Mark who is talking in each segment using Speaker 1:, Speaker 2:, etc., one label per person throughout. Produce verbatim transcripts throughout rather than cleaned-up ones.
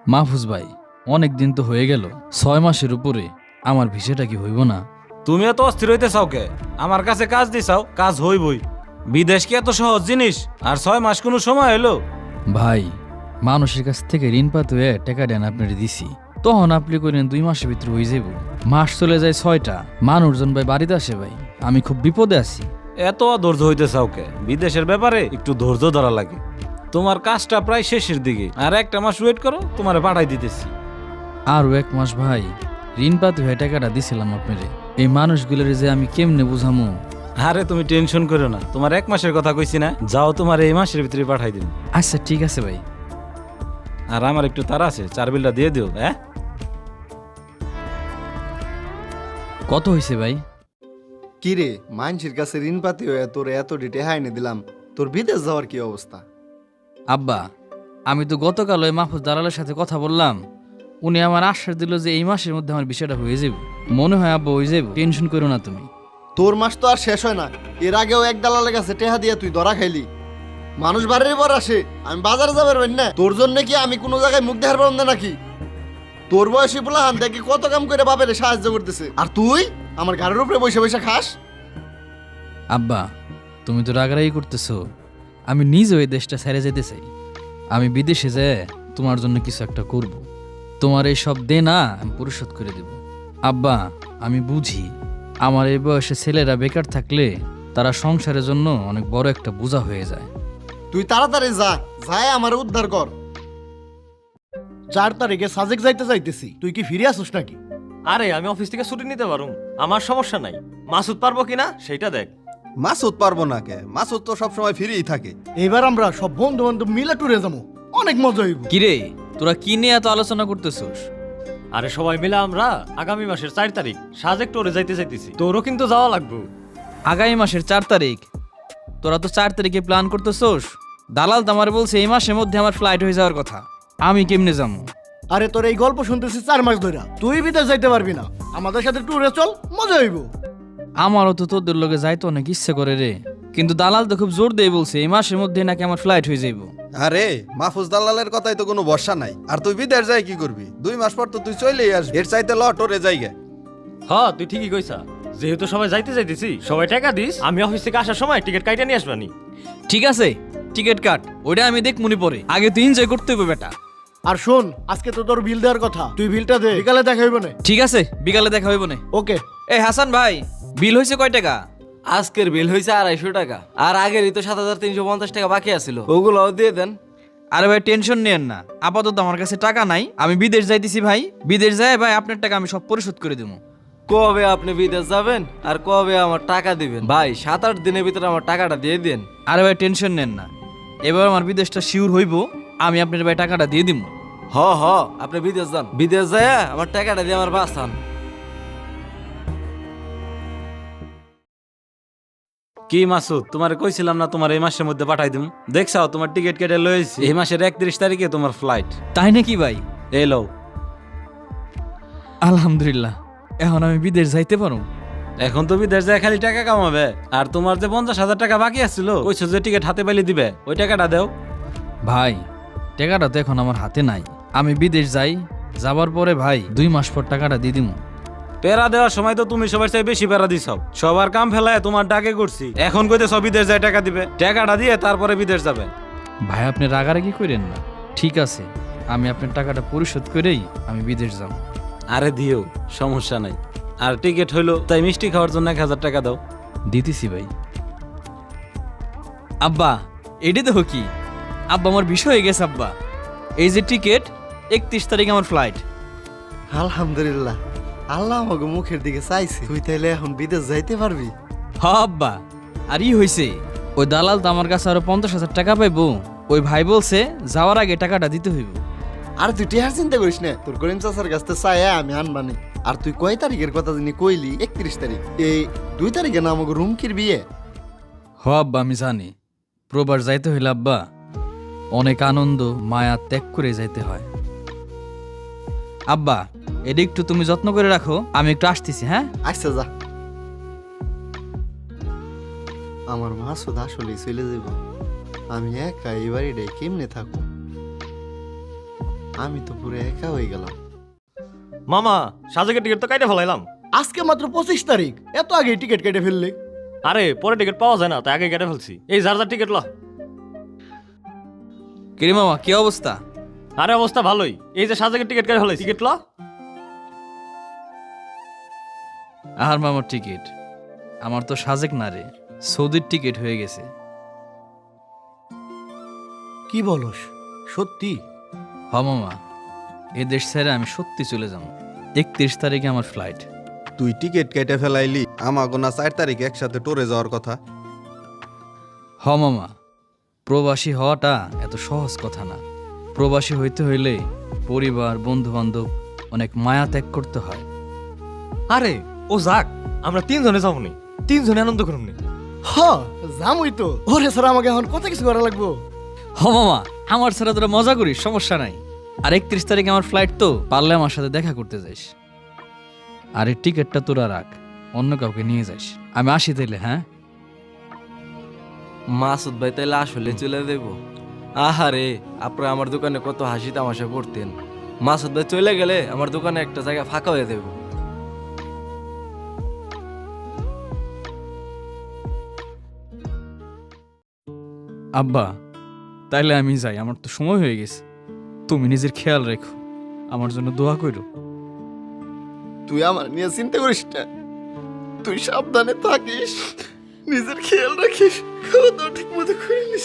Speaker 1: মাহফুজ ভাই, অনেক দিন তো হয়ে গেল, ছয় মাসের উপরে। আমার ভিসাটা কি হইব না?
Speaker 2: তুমি এত অস্থির হইতে চাও কে? আমার কাছে কাজ দিছাও, কাজ হইবই। বিদেশ কি এত সহজ জিনিস? আর ছয় মাস কোনো সময় হলো?
Speaker 1: ভাই, মানুষের কাছ থেকে ঋণ পাতে হয়ে টাকা দেন আপনার দিছি, তখন আপনি করেন দুই মাসের ভিতরে হয়ে যাব। মাস চলে যায় ছয়টা, মানুষজন ভাই বাড়িতে আসে। ভাই আমি খুব বিপদে আছি।
Speaker 2: এত ধৈর্য হইতে চাও কে? বিদেশের ব্যাপারে একটু ধৈর্য ধরা লাগে। তোমার কাজটা প্রায় শেষের দিকে, আর একটা মাস ওয়েট করো, তোমারে পাঠাই দিতেছি।
Speaker 1: আরও এক মাস ভাই, ঋণ পাতে হয়ে টাকাটা দিছিলাম আপনারে। এই মানুষগুলোর যে আমি কেমনে বুঝামো?
Speaker 2: আরে তুমি টেনশন করো না, তোমার এক মাসের কথা কইছি না, যাও তোমার এই মাসের ভিতরে পাঠাই দিন।
Speaker 1: আচ্ছা ঠিক আছে ভাই।
Speaker 2: আর আমার একটু তাড়া আছে, চার বিলটা দিয়ে দিও। হ্যাঁ,
Speaker 1: কত হয়েছে ভাই?
Speaker 3: কিরে, মানুষের কাছে ঋণ পাতি হয়ে তোর এত ডিটে হাইনে দিলাম, তোর বিদেশ যাওয়ার কি অবস্থা?
Speaker 1: আব্বা, আমি তো গতকাল ওই মাহফুজ দালালের সাথে কথা বললাম। উনি আমার আশ্বাস দিল যে এই মাসের মধ্যে আমার বিষয়টা হয়ে যাবে। মনে হয় আব্বা হয়ে যাবে, টেনশন করো না তুমি।
Speaker 3: তোর মাস তো আর শেষ হয় না। এর আগেও এক দালালের কাছে টেহা দিয়া তুই ধরা খাইলি। মানুষ বাড়ির পর আসে, আমি বাজারে যাবার পারি না। তোর জন্য কি আমি কোনো জায়গায় মুখ দেখার পারব না নাকি? তোর বয়সী বলা হান দেখি কত কাম করে বাপের সাহায্য করতেছে, আর তুই আমার ঘরের উপরে বসে বসে খাস।
Speaker 1: আব্বা, তুমি তো রাগারাগি করতেছো। আমি নিজে ওই দেশটা ছেড়ে যেতে চাই। আমি বিদেশে যেয়ে তোমার জন্য কিছু একটা করব। তোমার এই সব দেনা আমি পরিশোধ করে দেব। আব্বা, আমি বুঝি আমার এই বয়সে ছেলেরা বেকার থাকলে তারা সংসারের জন্য অনেক বড় একটা বোঝা হয়ে যায়।
Speaker 3: তুই তাড়াতাড়ি যা, যায় আমার উদ্ধার কর।
Speaker 4: চার তারিখে সাজেক যাইতে চাইতেছি, তুই কি ফিরে আসুস নাকি?
Speaker 5: আরে আমি অফিস থেকে ছুটি নিতে পারুম, আমার সমস্যা নাই। মাসুদ পারবো কিনা সেইটা দেখ।
Speaker 6: মাসুদ পারবো না কে? মাসুদ তো সবসময় ফ্রিই থাকে।
Speaker 4: এবার আমরা সব বন্ধু বান্ধব মিলে ট্যুরে যাবো, অনেক মজা হইব।
Speaker 1: কিরে, তোরা কি নিয়ে এত আলোচনা করতেছোস?
Speaker 5: আরে সবাই মিলে আমরা আগামী মাসের চার তারিখ সাজেক টোরে যাইতে চাইতেছি, তোরও কিন্তু যাওয়া লাগবে।
Speaker 1: আগামী মাসের চার তারিখ? তোরা তো চার তারিখে প্ল্যান করতেছোস। দালাল তো আমার বলছে এই মাসের মধ্যে আমার ফ্লাইট হয়ে যাওয়ার কথা। আমি কেমনে যাবো?
Speaker 4: আরে তোর এই গল্প শুনতেছি চার মাস ধরে, তুই বিদেশ যাইতে পারবি না। আমাদের সাথে ট্যুরে চল, মজা হইব।
Speaker 1: আমারও তো তোদের লোকে যাইতে অনেক ইচ্ছে করে রে, কিন্তু দালাল তো খুব জোর দিয়ে বলছে এই মাসের মধ্যে নাকি আমার ফ্লাইট হয়ে যাইব।
Speaker 6: আরে মাহফুজ দালালের কথাই তো কোনো ভরসা নাই। আর তুই বিদেশ যাই কি করবি? দুই মাস পর তো তুই চলেই আসবি। এর চাইতে ল টোরে যাইগে।
Speaker 5: হ, তুই ঠিকই কইছা। যেহেতু সবাই যাইতে যাইতেছি, সবাই টাকা দিস, আমি অফিস থেকে আসার সময় টিকিট কাইটা নিয়ে আসবানি।
Speaker 1: ঠিক আছে, টিকিট কাট, ওইটা আমি দেখ মনে পড়ে। আগে তুই এনজয় করতে হবে বেটা।
Speaker 4: আর শোন, আজকে তো তোর বিল দেওয়ার কথা, তুই বিলটা দে, বিকালে দেখা হইব না?
Speaker 1: ঠিক আছে, বিকালে দেখা হইব না।
Speaker 4: ওকে।
Speaker 1: এই হাসান ভাই, বিল হয়েছে কয় টাকা?
Speaker 7: আজকের বিল হয়েছে আড়াইশো টাকা, আর আগেরই তো সাত হাজার তিনশো পঞ্চাশ টাকা বাকি আছিল, ওগুলোও দিয়ে দেন।
Speaker 1: আরে ভাই টেনশন নেন না, আপাতত আমার কাছে টাকা নাই। আমি বিদেশ যাইতেছি ভাই, বিদেশ যায় ভাই আপনার টাকা আমি সব পরিশোধ করে দেবো।
Speaker 7: কবে আপনি বিদেশ যাবেন আর কবে আমার টাকা দিবেন? ভাই সাত আট দিনের ভিতরে আমার টাকাটা দিয়ে দেন।
Speaker 1: আরে ভাই টেনশন নেন না, এবার আমার বিদেশটা শিওর হইব, আমি আপনার ভাই টাকাটা দিয়ে দিব।
Speaker 7: হ হ, আপনি বিদেশ যান, বিদেশ যায় আমার টাকাটা দিয়ে আমার বাঁচান।
Speaker 2: কি মাসুদ, তোমারে কইছিলাম না তোমার এই মাসের মধ্যে পাঠাই দিম? দেখছাও তোমার টিকিট কেটে লইছি, এই মাসের একত্রিশ তারিখে তোমার ফ্লাইট।
Speaker 1: তাই নাকি ভাই?
Speaker 2: এই লও।
Speaker 1: আলহামদুলিল্লাহ, এখন আমি বিদেশ যাইতে পারো।
Speaker 2: এখন তো বিদেশ যায় খালি টাকা কামাবে। আর তোমার যে পঞ্চাশ হাজার টাকা বাকি আছিল, কইছো যে টিকিট হাতে পাইলে দিবে, ওই টাকাটা দাও।
Speaker 1: ভাই টাকাটা তো এখন আমার হাতে নাই। আমি বিদেশ যাই, যাবার পরে ভাই দুই মাস পর টাকাটা দিয়ে দিব।
Speaker 2: পেরা দেওয়ার সময় তো তুমি সবার চাই বেশি পেরা দিছাও। সবার কাম ফেলায় তোমার ডাকে করছি, এখন কইতে সব বিদেশ যায় টাকা দিবে। টাকাটা দিয়ে তারপরে বিদেশ যাবে।
Speaker 1: ভাই আপনি রাগারাগি করেন না, ঠিক আছে আমি আপনার টাকাটা পরিশোধ করেই আমি বিদেশ যাব।
Speaker 2: আরে দিও, সমস্যা নাই। আর টিকিট হইলো তাই মিষ্টি খাওয়ার জন্য এক হাজার টাকা দাও।
Speaker 1: দিতেছি ভাই। আব্বা এটি দেখো কি, আব্বা আমার বিষয় হয়ে গেছে আব্বা। এই যে টিকিট, একত্রিশ তারিখ আমার ফ্লাইট।
Speaker 3: আলহামদুলিল্লাহ, আল্লাহ আমাকে মুখের দিকে চাইছে। তুই তাইলে এখন বিদেশ যাইতে পারবি।
Speaker 1: হ আব্বা, আর ই হয়েছে, ওই দালাল তো আমার কাছে আরো পঞ্চাশ হাজার টাকা পাইবো। ওই ভাই বলছে যাওয়ার আগে টাকাটা দিতে হইব।
Speaker 3: আর তুই টেহার চিন্তা করিস না, তোর করিম চাচার কাছ থেকে চাই আমি আনবানি। আর তুই কয় তারিখের কথা যিনি কইলি? একত্রিশ তারিখ। এই দুই তারিখে না আমাকে রুমকির বিয়ে।
Speaker 1: হ আব্বা আমি জানি, প্রবাস যাইতে হইলে আব্বা অনেক আনন্দ মায়া ত্যাগ করে যাইতে হয়। আব্বা এটা একটু তুমি যত্ন করে রাখো, আমি একটু আসতেছি। হ্যাঁ
Speaker 3: আচ্ছা যা। আমার মাসুদ আসলেই চলে যাব। আমি একা এই বাড়িটাই কেমনে থাকবো? আমি তো পুরো একা হয়ে গেলাম।
Speaker 5: মামা সাজেকের টিকিট তো কাইটে ফেলাইলাম।
Speaker 4: আজকে মাত্র পঁচিশ তারিখ, এত আগে টিকিট কেটে ফেললে?
Speaker 5: আরে পরে টিকিট পাওয়া যায় না, তাই আগে কেটে ফেলছি। এই যার যার টিকিট ল।
Speaker 1: কিরে মামা কি অবস্থা?
Speaker 5: আরে অবস্থা ভালোই, এই যে সাজেকের টিকিট কেটে ফেলাই, টিকিট ল।
Speaker 1: আর মামার টিকিট? আমার তো সাজেক না রে, সৌদির টিকিট হয়ে গেছে।
Speaker 4: কি বলস, সত্যি?
Speaker 1: হ মামা, এ দেশ ছেড়ে আমি সত্যি চলে যাব। একত্রিশ তারিখে আমার ফ্লাইট।
Speaker 6: তুই টিকিট কেটে ফেলাইলি, আমাগো না চার তারিখ একসাথে টোরে যাওয়ার কথা।
Speaker 1: হ মামা, প্রবাসী হওয়াটা এত সহজ কথা না। প্রবাসী হইতে হইলে পরিবার, বন্ধু বান্ধব অনেক মায়া ত্যাগ করতে হয়।
Speaker 5: আরে ও যাক, আমরা তিনজনে যাবো নি, তিনজনে আনন্দ করুন নি।
Speaker 4: হ জামুই তো, ওরে স্যার আমাকে এখন কত কিছু করা লাগবো।
Speaker 1: হ মামা, আমার ছাড়া তোরা মজা করিস, সমস্যা নাই। আর একত্রিশ তারিখে আমার ফ্লাইট, তো পারলে আমার সাথে দেখা করতে যাইস। আর এই টিকিটটা তোরা রাখ, অন্য কাউকে নিয়ে যাইস। আমি আসি তাইলে। হ্যাঁ
Speaker 7: মাসুদ ভাই তাইলে আসলে চলে দেব? আহারে, আপনারা আমার দোকানে কত হাসি তামাশা করতেন। মাসুদ ভাই চলে গেলে আমার দোকানে একটা জায়গা ফাঁকা হয়ে দেব।
Speaker 1: আব্বা, তাইলে আমি যাই, আমার তো সময় হয়ে গেছে। তুমি নিজের খেয়াল রেখো, আমার জন্য দোয়া করো।
Speaker 3: তুই আমার নিয়ে চিন্তা করিস না, তুই সাবধানে থাকিস, নিজের খেয়াল রাখিস, খাওয়া দাওয়া ঠিক মতো করে নিস।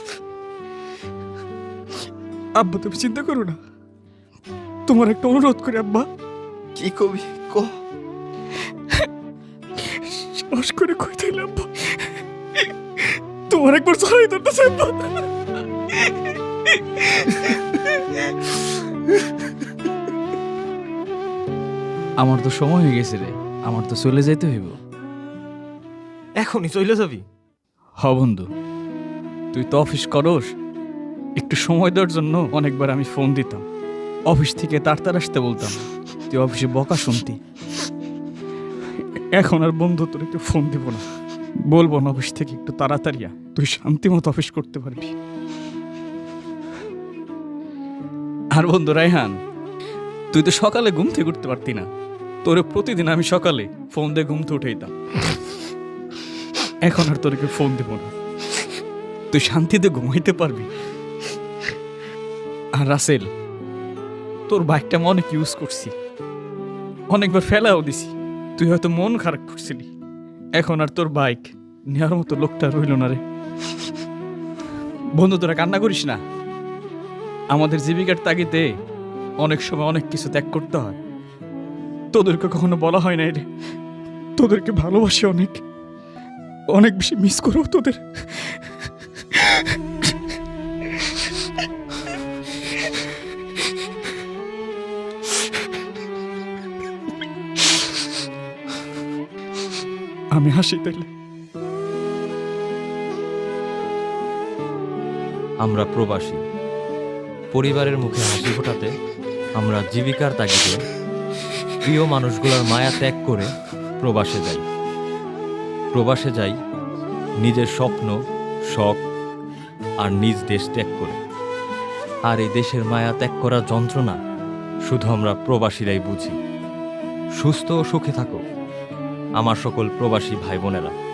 Speaker 1: আব্বা তুমি চিন্তা করো না, তোমার একটা অনুরোধ করি আব্বা।
Speaker 3: কি কবি ক?
Speaker 1: সাহস করে কইতে আব্বা, তোমার একবার ছড়াই ধরতেছে আব্বা। আমার তো সময় হয়ে গেছে রে, আমার তো চলে যাইতে হইব।
Speaker 5: এখনই চলে যাবি?
Speaker 1: হ বন্ধু, তুই তো অফিস করস, একটু সময় দেওয়ার জন্য অনেকবার আমি ফোন দিতাম। অফিস থেকে তাড়াতাড়ি আসতে বলতাম, তুই অফিসে বকা শুনতি। এখন আর বন্ধু তোর একটু ফোন দিব না, বলবো না অফিস থেকে একটু তাড়াতাড়ি আ, তুই শান্তি মতো অফিস করতে পারবি। আর বন্ধু রায়হান, তুই তো সকালে ঘুম থেকে উঠতে পারতি না, তোরে প্রতিদিন আমি সকালে ফোন দিয়ে ঘুম থেকে উঠাইতাম। এখন আর তোরকে ফোন দেব না, তুই শান্তিতে ঘুমাইতে পারবি। আর রাসেল, তোর বাইকটা আমি অনেক ইউজ করছি, অনেকবার ফেলাও দিছি, তুই হয়তো মন খারাপ করছিলি। এখন আর তোর বাইক নেওয়ার মতো লোকটা রইল না রে। বন্ধু তোরা কান্না করিস না, আমাদের জীবিকার তাগিদে অনেক সময় অনেক কিছু ত্যাগ করতে হয়। তোদেরকে কখনো বলা হয় না রে, তোদেরকে ভালোবাসি অনেক, অনেক বেশি মিস করো তোদের। আমি হাসি তাইলে।
Speaker 5: আমরা প্রবাসী, পরিবারের মুখে হাসি ফোটাতে আমরা জীবিকার তাগিদে প্রিয় মানুষগুলোর মায়া ত্যাগ করে প্রবাসে যাই। প্রবাসে যাই নিজের স্বপ্ন, শখ আর নিজ দেশ ত্যাগ করে। আর এই দেশের মায়া ত্যাগ করার যন্ত্রণা শুধু আমরা প্রবাসীরাই বুঝি। সুস্থ ও সুখে থাকো আমার সকল প্রবাসী ভাই বোনেরা।